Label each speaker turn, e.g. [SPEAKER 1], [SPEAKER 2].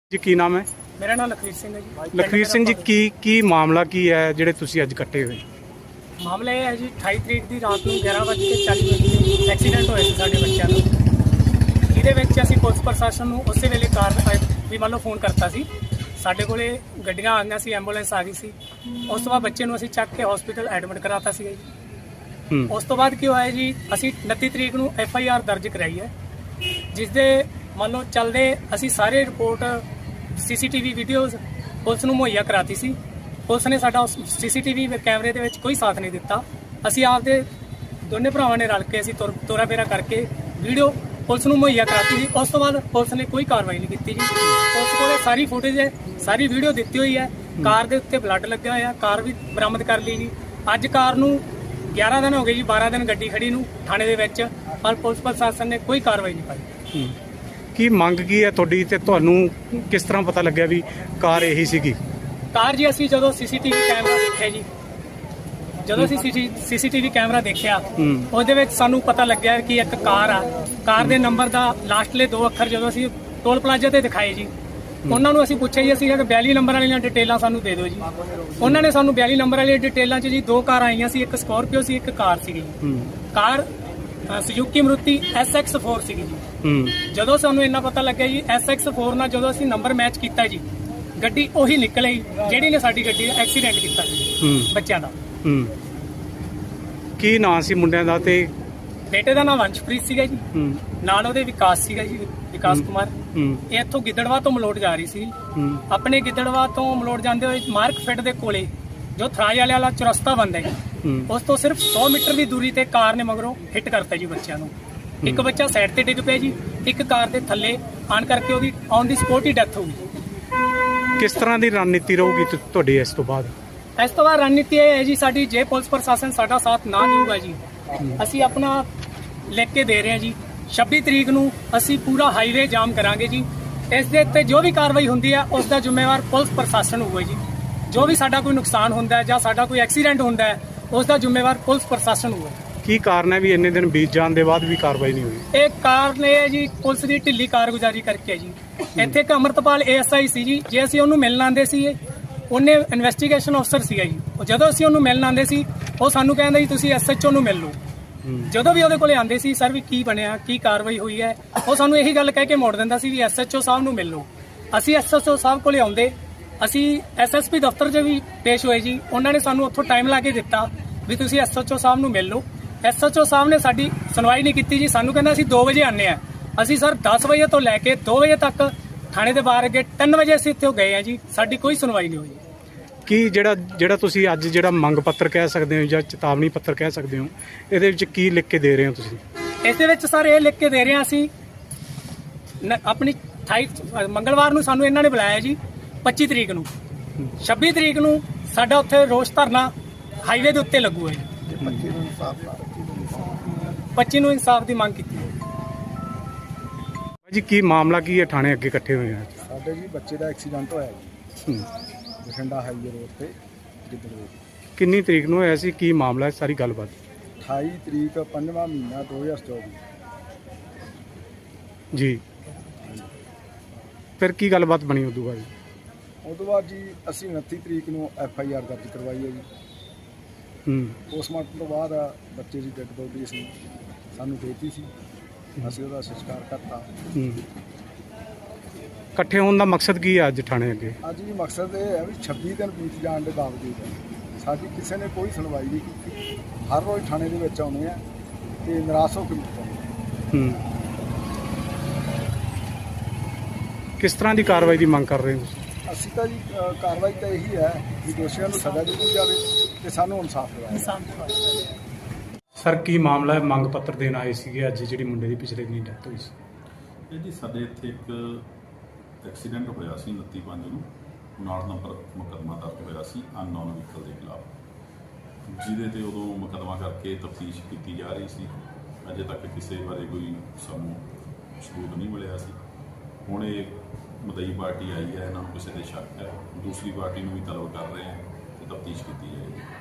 [SPEAKER 1] ਜੀ ਕੀ ਨਾਮ ਹੈ?
[SPEAKER 2] ਮੇਰਾ ਨਾਮ ਲਖਵੀਰ ਸਿੰਘ ਹੈ ਜੀ।
[SPEAKER 1] ਲਖਵੀਰ ਸਿੰਘ ਜੀ ਕੀ ਮਾਮਲਾ ਕੀ ਹੈ ਜਿਹੜੇ ਤੁਸੀਂ ਅੱਜ ਇਕੱਠੇ ਹੋਏ?
[SPEAKER 2] ਮਾਮਲਾ ਇਹ ਹੈ ਜੀ 28 ਤਰੀਕ ਦੀ ਰਾਤ ਨੂੰ 11:40 ਤੇ ਐਕਸੀਡੈਂਟ ਹੋਇਆ ਸੀ ਸਾਡੇ ਬੱਚਿਆਂ ਦਾ। ਜਿਹਦੇ ਵਿੱਚ ਅਸੀਂ ਪੁਲਿਸ ਪ੍ਰਸ਼ਾਸਨ ਨੂੰ ਉਸੇ ਵੇਲੇ ਵੀ ਮੰਨ ਲਓ ਫੋਨ ਕਰਤਾ ਸੀ। ਸਾਡੇ ਕੋਲੇ ਗੱਡੀਆਂ ਆ ਗਈਆਂ ਸੀ, ਐਂਬੂਲੈਂਸ ਆ ਗਈ ਸੀ। ਉਸ ਤੋਂ ਬਾਅਦ ਬੱਚੇ ਨੂੰ ਅਸੀਂ ਚੱਕ ਕੇ ਹਸਪੀਟਲ ਐਡਮਿਟ ਕਰਾਤਾ ਸੀਗਾ ਜੀ। ਉਸ ਤੋਂ ਬਾਅਦ ਕੀ ਹੋਇਆ ਜੀ, ਅਸੀਂ 29 ਤਰੀਕ ਨੂੰ FIR ਦਰਜ ਕਰਾਈ ਹੈ, ਜਿਸ ਦੇ ਮੰਨ ਲਓ ਚੱਲਦੇ ਅਸੀਂ ਸਾਰੇ ਰਿਪੋਰਟ CCTV ਵੀਡੀਓਜ਼ ਪੁਲਿਸ ਨੂੰ ਮੁਹੱਈਆ ਕਰਾਤੀ ਸੀ। ਪੁਲਿਸ ਨੇ ਸਾਡਾ CCTV ਕੈਮਰੇ ਦੇ ਵਿੱਚ ਕੋਈ ਸਾਥ ਨਹੀਂ ਦਿੱਤਾ। ਅਸੀਂ ਆਪਦੇ ਦੋਨੇ ਭਰਾਵਾਂ ਨੇ ਰਲ ਕੇ ਅਸੀਂ ਤੋਰਾ ਫੇਰਾ ਕਰਕੇ ਵੀਡੀਓ ਪੁਲਿਸ ਨੂੰ ਮੁਹੱਈਆ ਕਰਾਤੀ ਜੀ। ਉਸ ਤੋਂ ਬਾਅਦ ਪੁਲਿਸ ਨੇ ਕੋਈ ਕਾਰਵਾਈ ਨਹੀਂ ਕੀਤੀ ਜੀ। ਪੁਲਿਸ ਕੋਲੇ ਸਾਰੀ ਫੁਟੇਜ ਹੈ, ਸਾਰੀ ਵੀਡੀਓ ਦਿੱਤੀ ਹੋਈ ਹੈ। ਕਾਰ ਦੇ ਉੱਤੇ ਬਲੱਡ ਲੱਗਿਆ ਹੋਇਆ, ਕਾਰ ਵੀ ਬਰਾਮਦ ਕਰ ਲਈ ਜੀ। ਅੱਜ ਕਾਰ ਨੂੰ 11 ਦਿਨ ਹੋ ਗਏ ਜੀ, 12 ਦਿਨ ਗੱਡੀ ਖੜੀ ਨੂੰ ਥਾਣੇ ਦੇ ਵਿੱਚ, ਪਰ ਪੁਲਿਸ ਪ੍ਰਸ਼ਾਸਨ ਨੇ ਕੋਈ ਕਾਰਵਾਈ ਨਹੀਂ ਪਾਈ।
[SPEAKER 1] ਕੀ ਮੰਗ ਕੀ ਹੈ ਤੁਹਾਡੀ ਤੇ ਤੁਹਾਨੂੰ ਕਿਸ ਤਰ੍ਹਾਂ ਪਤਾ ਲੱਗਿਆ ਵੀ ਕਾਰ ਇਹੀ ਸੀਗੀ?
[SPEAKER 2] ਕਾਰ ਜੀ ਅਸੀਂ ਜਦੋਂ CCTV ਕੈਮਰਾ ਦੇਖਿਆ ਜੀ, ਜਦੋਂ ਅਸੀਂ CCTV ਕੈਮਰਾ ਦੇਖਿਆ ਉਹਦੇ ਵਿੱਚ ਸਾਨੂੰ ਪਤਾ ਲੱਗਿਆ ਕਿ ਇੱਕ ਕਾਰ ਆ। ਕਾਰ ਦੇ ਨੰਬਰ ਦਾ ਲਾਸਟਲੇ 2 ਅੱਖਰ ਜਦੋਂ ਅਸੀਂ ਟੋਲ ਪਲਾਜ਼ਾ ਤੇ ਦਿਖਾਏ ਜੀ, ਉਹਨਾਂ ਨੂੰ ਅਸੀਂ ਪੁੱਛਿਆ ਜੀ ਅਸੀਂ ਕਿ 42 ਨੰਬਰ ਵਾਲੀਆਂ ਡਿਟੇਲਾਂ ਸਾਨੂੰ ਦੇ ਦਿਓ ਜੀ। ਉਹਨਾਂ ਨੇ ਸਾਨੂੰ 42 ਨੰਬਰ ਵਾਲੀ ਡਿਟੇਲਾਂ 'ਚ ਜੀ 2 ਕਾਰਾਂ ਆਈਆਂ ਸੀ, ਇੱਕ ਸਕੋਰਪੀਓ ਸੀ, ਇੱਕ ਕਾਰ ਸੀਗੀ। ਕਾਰ ਸੁਜ਼ੂਕੀ ਮਰੂਤੀ SX4 ਸੀਗੀ ਜੀ। ਜਦੋਂ ਸਾਨੂੰ ਇੰਨਾ ਪਤਾ ਲੱਗਿਆ ਜੀ SX4 ਨਾਲ ਜਦੋਂ ਅਸੀਂ ਨੰਬਰ ਮੈਚ ਕੀਤਾ ਜੀ, ਗੱਡੀ ਉਹੀ ਨਿਕਲ ਆਈ ਜਿਹੜੀ ਨੇ ਸਾਡੀ ਗੱਡੀ ਦਾ ਐਕਸੀਡੈਂਟ ਕੀਤਾ ਸੀ ਬੱਚਿਆਂ ਦਾ।
[SPEAKER 1] ਕੀ ਨਾਂ ਸੀ ਮੁੰਡਿਆਂ ਦਾ? ਤੇ
[SPEAKER 2] ਬੇਟੇ ਦਾ ਨਾਮ ਵੰਸ਼ਪ੍ਰੀਤ ਸੀਗਾ ਜੀ, ਨਾਲ ਉਹਦੇ ਵਿਕਾਸ ਸੀਗਾ ਜੀ, ਵਿਕਾਸ ਕੁਮਾਰ। ਇਹ ਇੱਥੋਂ ਗਿੱਦੜਵਾ ਤੋਂ ਮਲੋਟ ਜਾ ਰਹੀ ਸੀ। ਆਪਣੇ ਗਿੱਦੜਵਾ ਤੋਂ ਮਲੋਟ ਜਾਂਦੇ ਹੋਏ ਮਾਰਕ ਫਿੱਟ ਦੇ ਕੋਲੇ ਜੋ ਥਰਾਜ ਵਾਲਾ ਚੁਰਸਤਾ ਬੰਦਾ ਹੈ, ਉਸ ਤੋਂ ਸਿਰਫ 100 ਮੀਟਰ ਦੀ ਦੂਰੀ ਤੇ ਕਾਰ ਨੇ ਮਗਰੋਂ ਹਿੱਟ ਕਰਤਾ ਜੀ ਬੱਚਿਆਂ ਨੂੰ। ਇੱਕ ਬੱਚਾ ਸਾਈਡ ਤੇ ਡਿੱਗ ਪਿਆ ਜੀ, ਇੱਕ ਕਾਰ ਦੇ ਥੱਲੇ ਆਣ ਕਰਕੇ ਉਹਦੀ ਔਨ ਦੀ ਸਪੋਟ ਹੀ ਡੈਥ ਹੋ ਗਈ।
[SPEAKER 1] ਕਿਸ ਤਰ੍ਹਾਂ ਦੀ ਰਣਨੀਤੀ ਰਹੂਗੀ ਤੁਹਾਡੀ ਇਸ ਤੋਂ ਬਾਅਦ?
[SPEAKER 2] ਇਸ ਤੋਂ ਬਾਅਦ ਰਣਨੀਤੀ ਇਹ ਹੈ ਜੀ ਸਾਡੀ, ਜੇ ਪੁਲਿਸ ਪ੍ਰਸ਼ਾਸਨ ਸਾਡਾ ਸਾਥ ਨਾ ਦੇਊਗਾ ਜੀ, ਅਸੀਂ ਆਪਣਾ ਲਿਖ ਕੇ ਦੇ ਰਹੇ ਹਾਂ ਜੀ 26 ਤਰੀਕ ਨੂੰ ਅਸੀਂ ਪੂਰਾ ਹਾਈਵੇ ਜਾਮ ਕਰਾਂਗੇ ਜੀ। ਇਸ ਦੇ ਉੱਤੇ ਜੋ ਵੀ ਕਾਰਵਾਈ ਹੁੰਦੀ ਹੈ ਉਸ ਦਾ ਜ਼ਿੰਮੇਵਾਰ ਪੁਲਿਸ ਪ੍ਰਸ਼ਾਸਨ ਹੋਊਗਾ ਜੀ। ਜੋ ਵੀ ਸਾਡਾ ਕੋਈ ਨੁਕਸਾਨ ਹੁੰਦਾ ਹੈ ਜਾਂ ਸਾਡਾ ਕੋਈ ਐਕਸੀਡੈਂਟ ਹੁੰਦਾ ਹੈ ਉਸ ਦਾ ਜ਼ਿੰਮੇਵਾਰ ਪੁਲਿਸ ਪ੍ਰਸ਼ਾਸਨ ਹੋਊਗਾ। ਕੀ
[SPEAKER 1] ਕਾਰਨ ਹੈ ਵੀ ਇੰਨੇ ਦਿਨ ਬੀਤ ਜਾਣ ਦੇ ਬਾਅਦ ਵੀ ਕਾਰਵਾਈ ਨਹੀਂ ਹੋਈ?
[SPEAKER 2] ਇਹ ਕਾਰਨ ਇਹ ਹੈ ਜੀ ਪੁਲਿਸ ਦੀ ਢਿੱਲੀ ਕਾਰਗੁਜ਼ਾਰੀ ਕਰਕੇ ਜੀ। ਇੱਥੇ ਇੱਕ ਅਮਰਤਪਾਲ ASI ਸੀ ਜੀ, ਜੇ ਅਸੀਂ ਉਹਨੂੰ ਮਿਲਣ ਆਉਂਦੇ ਸੀ, ਉਹਨੇ ਇਨਵੈਸਟੀਗੇਸ਼ਨ ਅਫਸਰ ਸੀਗਾ ਜੀ। ਜਦੋਂ ਅਸੀਂ ਉਹਨੂੰ ਮਿਲਣ ਆਉਂਦੇ ਸੀ ਉਹ ਸਾਨੂੰ ਕਹਿੰਦਾ ਜੀ ਤੁਸੀਂ SHO ਨੂੰ ਮਿਲ ਲਓ। ਜਦੋਂ ਵੀ ਉਹਦੇ ਕੋਲੇ ਆਉਂਦੇ ਸੀ, ਸਰ ਵੀ ਕੀ ਬਣਿਆ, ਕੀ ਕਾਰਵਾਈ ਹੋਈ ਹੈ, ਉਹ ਸਾਨੂੰ ਇਹੀ ਗੱਲ ਕਹਿ ਕੇ ਮੋੜ ਦਿੰਦਾ ਸੀ ਵੀ SHO ਸਾਹਿਬ ਨੂੰ ਮਿਲ ਲਓ। ਅਸੀਂ SHO ਸਾਹਿਬ ਕੋਲੇ ਆਉਂਦੇ, ਅਸੀਂ SSP ਦਫ਼ਤਰ 'ਚ ਵੀ ਪੇਸ਼ ਹੋਏ ਜੀ। ਉਹਨਾਂ ਨੇ ਸਾਨੂੰ ਉੱਥੋਂ ਟਾਈਮ ਲਾ ਕੇ ਦਿੱਤਾ ਵੀ ਤੁਸੀਂ SHO ਸਾਹਿਬ ਨੂੰ ਮਿਲ ਲਓ। SHO ਸਾਹਿਬ ਨੇ ਸਾਡੀ ਸੁਣਵਾਈ ਨਹੀਂ ਕੀਤੀ ਜੀ। ਸਾਨੂੰ ਕਹਿੰਦਾ ਅਸੀਂ 2 ਵਜੇ ਆਉਂਦੇ ਆ। ਅਸੀਂ ਸਰ 10 ਵਜੇ ਤੋਂ ਲੈ ਕੇ 2 ਵਜੇ ਤੱਕ ਥਾਣੇ ਦੇ ਬਾਹਰ ਅੱਗੇ 3 ਵਜੇ ਅਸੀਂ ਇੱਥੇ ਗਏ ਆ ਜੀ, ਸਾਡੀ ਕੋਈ ਸੁਣਵਾਈ ਨਹੀਂ ਹੋਈ।
[SPEAKER 1] ਕੀ ਜਿਹੜਾ ਤੁਸੀਂ ਅੱਜ ਜਿਹੜਾ ਮੰਗ ਪੱਤਰ ਕਹਿ ਸਕਦੇ ਹੋ ਜਾਂ ਚੇਤਾਵਨੀ ਪੱਤਰ ਕਹਿ ਸਕਦੇ ਹੋ, ਇਹਦੇ ਵਿੱਚ ਕੀ ਲਿਖ ਕੇ ਦੇ ਰਹੇ ਹੋ ਤੁਸੀਂ?
[SPEAKER 2] ਇਸ ਦੇ ਵਿੱਚ ਸਰ ਇਹ ਲਿਖ ਕੇ ਦੇ ਰਹੇ ਹਾਂ ਅਸੀਂ ਆਪਣੀ 28 ਮੰਗਲਵਾਰ ਨੂੰ ਸਾਨੂੰ ਇਹਨਾਂ ਨੇ ਬੁਲਾਇਆ ਜੀ 25 ਤਰੀਕ ਨੂੰ। 26 ਤਰੀਕ ਨੂੰ ਸਾਡਾ ਉੱਥੇ ਰੋਸ ਧਰਨਾ ਹਾਈਵੇ ਦੇ ਉੱਤੇ ਲੱਗੂ ਹੈ ਜੀ। 25 ਨੂੰ ਇਨਸਾਫ ਦੀ ਮੰਗ ਕੀਤੀ ਹੈ
[SPEAKER 1] ਜੀ। ਕੀ ਮਾਮਲਾ ਕੀ ਹੈ? ਥਾਣੇ ਅੱਗੇ ਇਕੱਠੇ ਹੋਏ ਆ
[SPEAKER 3] ਸਾਡੇ ਜੀ ਬੱਚੇ ਦਾ ਐਕਸੀਡੈਂਟ ਹੋਇਆ ਜੀ ਬਠਿੰਡਾ ਹਾਈਵੇ ਰੋਡ ਤੇ ਗਿੱਦੜਵੇ।
[SPEAKER 1] ਕਿੰਨੀ ਤਰੀਕ ਨੂੰ ਹੋਇਆ ਸੀ? ਕੀ ਮਾਮਲਾ ਹੈ? ਸਾਰੀ ਗੱਲਬਾਤ।
[SPEAKER 3] 28 ਤਰੀਕ 5ਵਾਂ ਮਹੀਨਾ 2024 ਜੀ।
[SPEAKER 1] ਫਿਰ ਕੀ ਗੱਲਬਾਤ ਬਣੀ ਉਦੋਂ ਬਾਅਦ?
[SPEAKER 3] ਉਦੋਂ ਬਾਅਦ ਜੀ ਅਸੀਂ 29 ਤਰੀਕ ਨੂੰ FIR ਦਰਜ ਕਰਵਾਈ ਹੈ ਜੀ। ਪੋਸਟਮਾਰਟਮ ਤੋਂ ਬਾਅਦ ਬੱਚੇ ਦੀ ਡੈੱਡ ਬੋਡੀ ਅਸੀਂ ਸਾਨੂੰ ਦੇਤੀ ਸੀ, ਅਸੀਂ ਉਹਦਾ ਸੰਸਕਾਰ ਕਰਤਾ।
[SPEAKER 1] ਇਕੱਠੇ ਹੋਣ ਦਾ ਮਕਸਦ ਕੀ ਹੈ ਅੱਜ ਥਾਣੇ ਅੱਗੇ?
[SPEAKER 3] ਅੱਜ ਜੀ ਮਕਸਦ ਇਹ ਹੈ ਵੀ 26 ਦਿਨ ਬੀਤ ਜਾਣ ਦੇ ਬਾਵਜੂਦ ਸਾਡੀ ਕਿਸੇ ਨੇ ਕੋਈ ਸੁਣਵਾਈ ਨਹੀਂ ਕੀਤੀ। ਹਰ ਰੋਜ਼ ਥਾਣੇ ਦੇ ਵਿੱਚ ਆਉਂਦੇ ਆ ਤੇ ਨਿਰਾਸ਼ ਹੋ ਕੇ ਮੁੱਕਦੇ।
[SPEAKER 1] ਕਿਸ ਤਰ੍ਹਾਂ ਦੀ ਕਾਰਵਾਈ ਦੀ ਮੰਗ ਕਰ ਰਹੇ ਹੋ ਤੁਸੀਂ?
[SPEAKER 3] ਅਸੀਂ ਤਾਂ ਜੀ ਕਾਰਵਾਈ ਤਾਂ ਇਹੀ ਹੈ ਕਿ ਦੋਸ਼ੀਆਂ ਨੂੰ ਸਜ਼ਾ ਦਿੱਤੀ ਜਾਵੇ ਤੇ ਸਾਨੂੰ ਇਨਸਾਫ ਦਿਵਾਇਆ।
[SPEAKER 1] ਸਰ ਕੀ ਮਾਮਲਾ ਹੈ? ਮੰਗ ਪੱਤਰ ਦੇਣ ਆਏ ਸੀਗੇ ਅੱਜ ਜਿਹੜੀ ਮੁੰਡੇ ਦੀ ਪਿਛਲੇ ਦਿਨ ਡੈਥ ਹੋਈ ਸੀ।
[SPEAKER 4] ਇਹ ਜੀ ਸਾਡੇ ਇੱਥੇ ਇੱਕ ਐਕਸੀਡੈਂਟ ਹੋਇਆ ਸੀ 29/5 ਨੂੰ, 59 ਨੰਬਰ ਮੁਕੱਦਮਾ ਦਰਜ ਹੋਇਆ ਸੀ ਅਨਨੋਨ ਵਹੀਕਲ ਦੇ ਖਿਲਾਫ, ਜਿਹਦੇ ਤੇ ਉਦੋਂ ਮੁਕੱਦਮਾ ਕਰਕੇ ਤਫਤੀਸ਼ ਕੀਤੀ ਜਾ ਰਹੀ ਸੀ। ਅਜੇ ਤੱਕ ਕਿਸੇ ਬਾਰੇ ਕੋਈ ਸਾਨੂੰ ਸਬੂਤ ਨਹੀਂ ਮਿਲਿਆ ਸੀ। ਹੁਣ ਇਹ ਮਦਈ ਪਾਰਟੀ ਆਈ ਹੈ, ਇਹਨਾਂ ਨੂੰ ਕਿਸੇ ਦੇ ਸ਼ੱਕ ਹੈ, ਦੂਸਰੀ ਪਾਰਟੀ ਨੂੰ ਵੀ ਤਲਬ ਕਰ ਰਹੇ ਹਾਂ ਤੇ ਤਫਤੀਸ਼ ਕੀਤੀ ਜਾਏਗੀ।